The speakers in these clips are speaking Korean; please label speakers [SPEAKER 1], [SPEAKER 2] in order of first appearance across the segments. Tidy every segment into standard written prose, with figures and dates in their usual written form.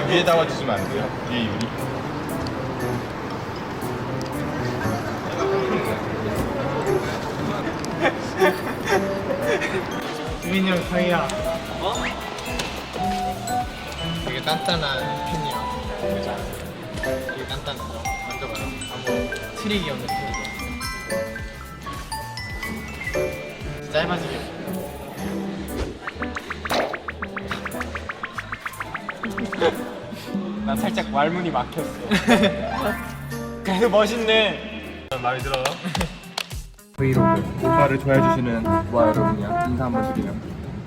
[SPEAKER 1] 위에다가 주시면 안 돼요? 위에 유리.
[SPEAKER 2] 유민이 형 저희야.
[SPEAKER 3] 어?
[SPEAKER 2] 되게 단단한 핀이야. 되게 단단한 거. 만져봐요. 아무 트릭이 없는 핀이고. 짧아지게. 난 살짝 말문이 막혔어. 그래도 멋있네.
[SPEAKER 1] 마음에 들어.
[SPEAKER 4] 브이로그 오빠를 좋아해주시는 모아 여러분이야 인사 한번 드리면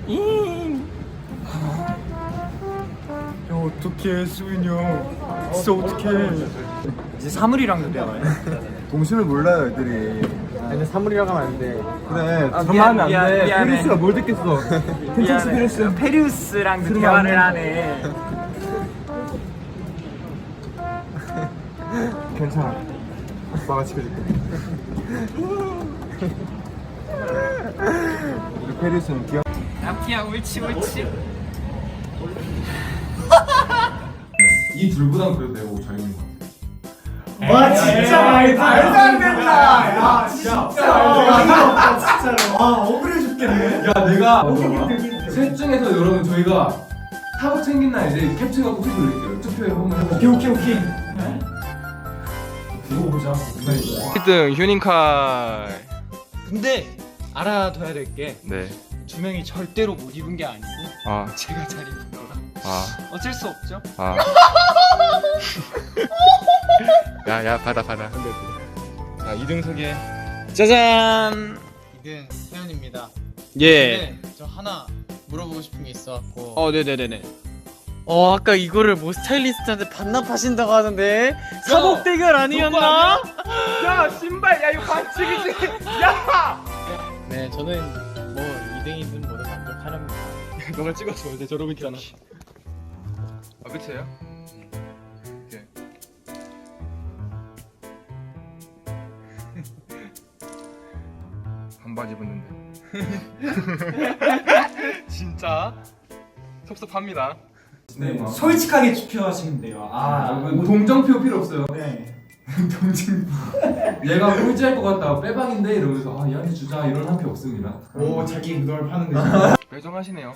[SPEAKER 4] 야 어떡해 수빈이 형 진짜 어떡해
[SPEAKER 2] 이제 사물이랑도 대화해.
[SPEAKER 4] 동심을 몰라요 애들이
[SPEAKER 2] 근데 사물이라고 하면 안 돼.
[SPEAKER 4] 그래
[SPEAKER 2] 아,
[SPEAKER 4] 그만 하면
[SPEAKER 2] 미안,
[SPEAKER 4] 안돼
[SPEAKER 2] 미안해.
[SPEAKER 4] 페리스가 뭘 듣겠어 괜찮지 페리스
[SPEAKER 2] 페리우스랑도 대화를 하네.
[SPEAKER 4] 괜찮아 오빠가 지켜줄게 우리 페리스는 귀여
[SPEAKER 2] 남기야 옳지 옳지.
[SPEAKER 4] 이 둘보단 그래도 내가 잘 입는 거
[SPEAKER 2] 와 진짜 말도 안 된다. 야 진짜 진짜로. 아 억울해 죽겠네.
[SPEAKER 4] 야 내가 셋 중에서 여러분 저희가 타고 챙긴 날 이제 캡처해갖고 투표 올릴게요 투표에 한번 해볼게요
[SPEAKER 2] 오케이.
[SPEAKER 4] 두고 보자
[SPEAKER 3] 1등 휴닝칼.
[SPEAKER 2] 근데 알아둬야 될 게 두
[SPEAKER 3] 네.
[SPEAKER 2] 명이 절대로 못 입은 게 아니고
[SPEAKER 3] 아,
[SPEAKER 2] 제가 잘 입은 거라
[SPEAKER 3] 아,
[SPEAKER 2] 어쩔 수 없죠.
[SPEAKER 3] 아. 야, 받아. 자, 2등 소개. 짜잔.
[SPEAKER 2] 2등 세연입니다.
[SPEAKER 3] 예.
[SPEAKER 2] 근데 저 하나 물어보고 싶은 게 있어갖고.
[SPEAKER 3] 네네네네.
[SPEAKER 5] 아까 이거를 뭐 스타일리스트한테 반납하신다고 하던데 사복 대결 아니었나?
[SPEAKER 3] 야, 신발, 야, 이거 반칙이지. 야!
[SPEAKER 2] 네 저는 뭐 2등이든 뭐든 만족하렵니다.
[SPEAKER 3] 너가 찍어줘. 이제 저러고 있잖아. 아, 끝이에요? 오케이. 반바지 입었는데. 진짜 섭섭합니다.
[SPEAKER 4] 네,
[SPEAKER 2] 솔직하게 투표하시면 돼요.
[SPEAKER 4] 동정표 필요 없어요
[SPEAKER 2] 네.
[SPEAKER 4] 얘가 꼴찌할 것 같다 빼박인데 이러면서 아 얘한테 주자 이런 한 표 없습니다
[SPEAKER 2] 오 자기 무덤을 파는 거지.
[SPEAKER 3] 배정하시네요.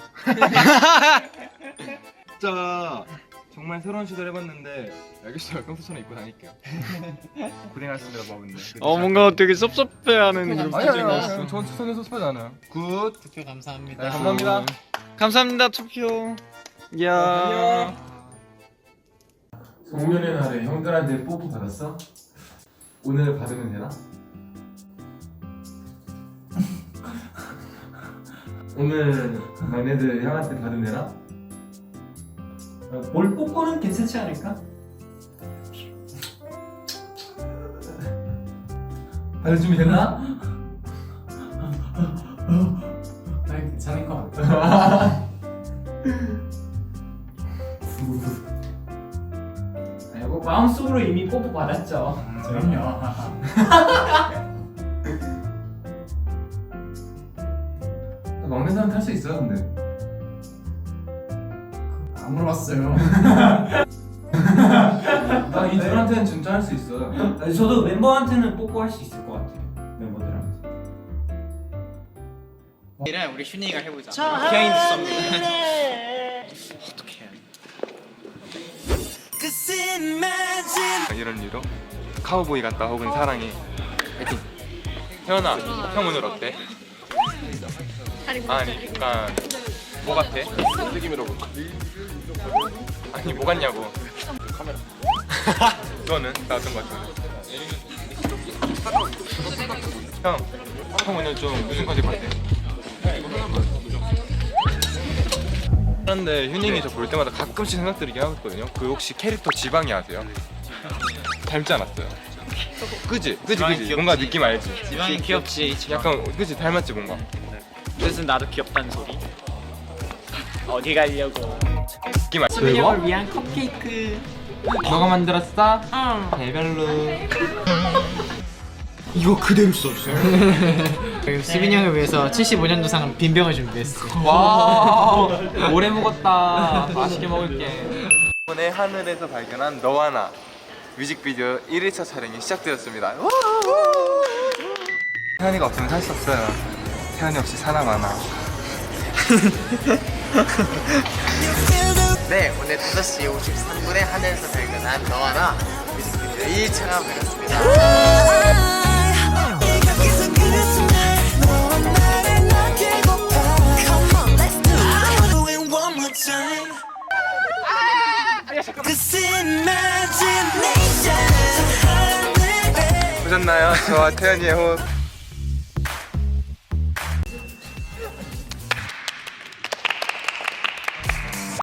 [SPEAKER 3] 진짜 정말 새로운 시도를 해봤는데 알겠어요. 평소처럼 입고 다닐게요. 고생하셨습니다, 바보인데.
[SPEAKER 5] 뭔가 되게 섭섭해하는 그런
[SPEAKER 3] 아니요. 전 추천해 섭섭하지 않아요. 굿.
[SPEAKER 2] 투표 감사합니다.
[SPEAKER 3] 네, 감사합니다.
[SPEAKER 5] 감사합니다 투표. 야.
[SPEAKER 4] 송년회 날에 형들한테 뽀뽀 받았어? 오늘 받으면 되나? 오늘 막내들 형한테 받으면 되나?
[SPEAKER 2] 볼 뽀뽀는 괜찮지 않을까?
[SPEAKER 4] 받을 준비 됐나?
[SPEAKER 2] 난 괜찮을 것 같아. 뭐 마음속으로 이미 뽀뽀 받았죠. 그럼요.
[SPEAKER 4] 막내 사람 탈 수 있어요 근데
[SPEAKER 2] 안 물어봤어요.
[SPEAKER 4] 나 이 둘한테는 진짜 할 수 있어
[SPEAKER 2] 저도 멤버한테는 뽀뽀할 수 있을 것 같아요. 멤버들한테.
[SPEAKER 5] 이랑 우리 슈니가 해보자. 비하인드 썸입니다.
[SPEAKER 3] 이런 이유로 카우보이 같다 혹은 사랑해. 파이팅. 태연아, 형 오늘 어때? 아니, 약간 뭐 같아? 느낌으로. 아니, 뭐 같냐고. 카메라. 너는 나 어떤 거 같아? 형 오늘 좀 무슨 컨셉 같아? 그런데 휴닝이 저 볼 때마다 가끔씩 생각 들게 하거든요. 그 혹시 캐릭터 지방이 아세요? 닮지 않았어요? 그지? 뭔가 느낌 알지?
[SPEAKER 5] 지방이 귀엽지.
[SPEAKER 3] 약간 그지? 닮았지 뭔가?
[SPEAKER 5] 그래서 나도 귀엽다는 소리. 어디 가려고?
[SPEAKER 3] 느낌 알지?
[SPEAKER 5] 수빈이 형을 위한 컵케이크.
[SPEAKER 3] 너가 만들었어?
[SPEAKER 5] 응.
[SPEAKER 3] 개별로.
[SPEAKER 2] 이거 그대로 써주세요. 수빈이 형을 위해서 75년도상 빈병을 준비했어.
[SPEAKER 3] 와 오래 먹었다. 맛있게 먹을게. 이번에 하늘에서 발견한 너와 나 뮤직비디오 1일차 촬영이 시작되었습니다. 태연이가 없으면 살 수 없어요. 태연이 없이 살아가나.
[SPEAKER 5] 네, 오늘 5시 53분에 하늘에서 발견한 너와 나 뮤직비디오 1차가 되었습니다.
[SPEAKER 3] 보셨나요? 저와 태연이의 호흡.